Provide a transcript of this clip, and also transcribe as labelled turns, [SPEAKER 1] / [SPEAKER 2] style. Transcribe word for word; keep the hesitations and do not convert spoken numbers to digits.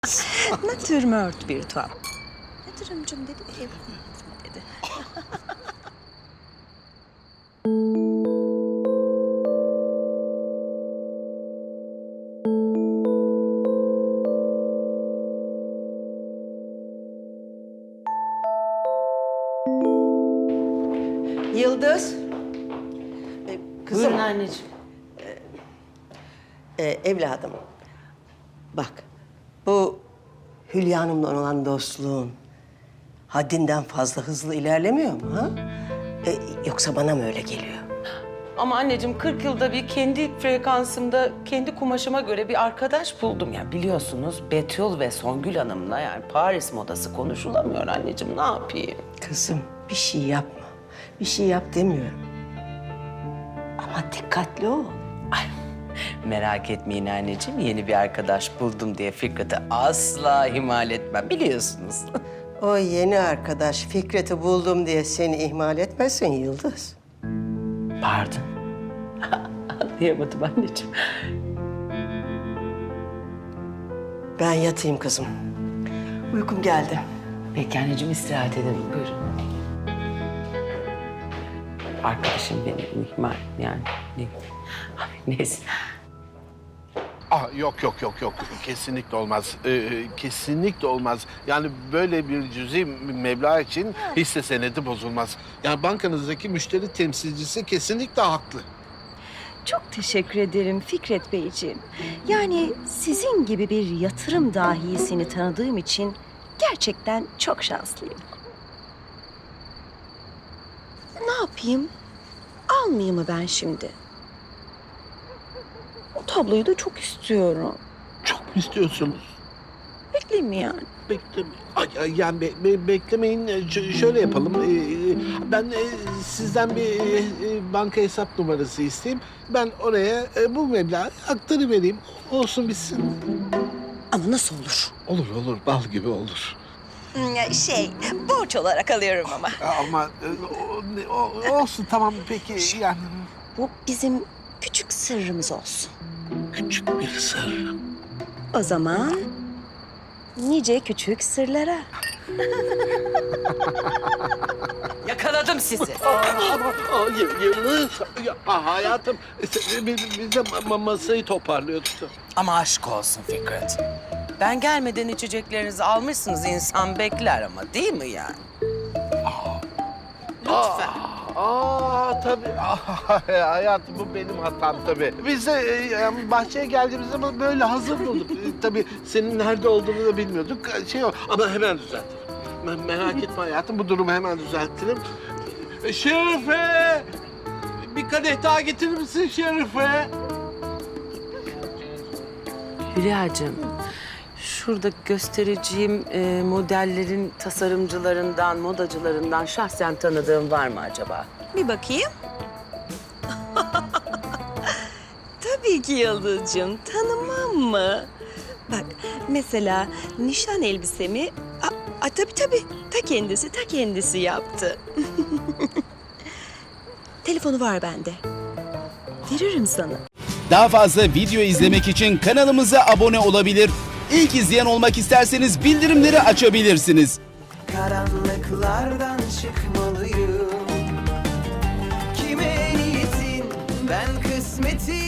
[SPEAKER 1] Natürmört bir tuhaf. Yatırımcım dedi, ev dedi.
[SPEAKER 2] Yıldız. Ee, kızım.
[SPEAKER 3] Buyurun anneciğim.
[SPEAKER 2] e, evladım. Bak, bu Hülya Hanım'la olan dostluğun haddinden fazla hızlı ilerlemiyor mu ha? E, yoksa bana mı öyle geliyor?
[SPEAKER 3] Ama anneciğim kırk yılda bir kendi frekansımda, kendi kumaşıma göre bir arkadaş buldum. Ya biliyorsunuz Betül ve Songül Hanım'la yani Paris modası konuşulamıyor anneciğim. Ne yapayım?
[SPEAKER 2] Kızım, bir şey yapma. Bir şey yap demiyorum. Ama dikkatli ol.
[SPEAKER 3] Ay, merak etmeyin anneciğim. Yeni bir arkadaş buldum diye Fikret'i asla ihmal etmem biliyorsunuz.
[SPEAKER 2] O yeni arkadaş Fikret'i buldum diye seni ihmal etmesin Yıldız.
[SPEAKER 3] Pardon. Anlayamadım anneciğim.
[SPEAKER 2] Ben yatayım kızım. Uykum geldi.
[SPEAKER 3] Peki anneciğim istirahat edelim. Buyurun. Arkadaşım beni ihmal yani. Ne? Ay, neyse.
[SPEAKER 4] Ah, yok yok yok yok kesinlikle olmaz. Ee, kesinlikle olmaz. Yani böyle bir cüzi meblağ için hisse senedi bozulmaz. Yani bankanızdaki müşteri temsilcisi kesinlikle haklı.
[SPEAKER 1] Çok teşekkür ederim Fikret Beyciğim. Yani sizin gibi bir yatırım dahisini tanıdığım için gerçekten çok şanslıyım. Ne yapayım? Almayayım mı ben şimdi? O tabloyu da çok istiyorum.
[SPEAKER 4] Çok mu istiyorsunuz?
[SPEAKER 1] Bekleyeyim mi yani?
[SPEAKER 4] Bekleme. Ay, ay, yani be- be- beklemeyin. Ş- şöyle yapalım. Ee, ben e, sizden bir e, e, banka hesap numarası isteyeyim. Ben oraya e, bu meblağı aktarıvereyim. Olsun bitsin.
[SPEAKER 1] Ama nasıl olur?
[SPEAKER 4] Olur olur. Bal gibi olur.
[SPEAKER 1] Şey, borç olarak alıyorum ama.
[SPEAKER 4] Ama e, o- o- olsun tamam peki yani.
[SPEAKER 1] Bu bizim küçük sırrımız olsun.
[SPEAKER 4] Küçük bir sır.
[SPEAKER 1] O zaman nice küçük sırlara.
[SPEAKER 3] Yakaladım sizi.
[SPEAKER 4] Ama aa, Y- Yıldız, ya, aa, hayatım biz, biz de ma- masayı toparlıyorduk. da.
[SPEAKER 3] Ama aşk olsun Fikret. Ben gelmeden içeceklerinizi almışsınız. İnsan bekler ama değil mi yani? Lütfen.
[SPEAKER 4] Aa tabii. Aa, hayatım bu benim hatam tabii. Biz de e, yani bahçeye geldiğimiz zaman böyle hazır bulduk. E, tabii senin nerede olduğunu da bilmiyorduk. Şey o ama hemen düzeltirim. Me- merak etme hayatım bu durumu hemen düzeltirim. E, Şerife! Bir kadeh daha getirir misin Şerife?
[SPEAKER 3] Hülya'cığım, şurada göstereceğim e, modellerin tasarımcılarından, modacılarından şahsen tanıdığın var mı acaba?
[SPEAKER 1] Bir bakayım. Tabii ki Yıldız'cığım, tanımam mı? Bak, mesela nişan elbisemi... A, a, tabii tabii, ta kendisi, ta kendisi yaptı. Telefonu var bende. Veririm sana.
[SPEAKER 5] Daha fazla video izlemek için kanalımıza abone olabilir. İlk izleyen olmak isterseniz bildirimleri açabilirsiniz.
[SPEAKER 6] Karanlıklardan çıkmalıyım. Kime niyetin ben kısmetin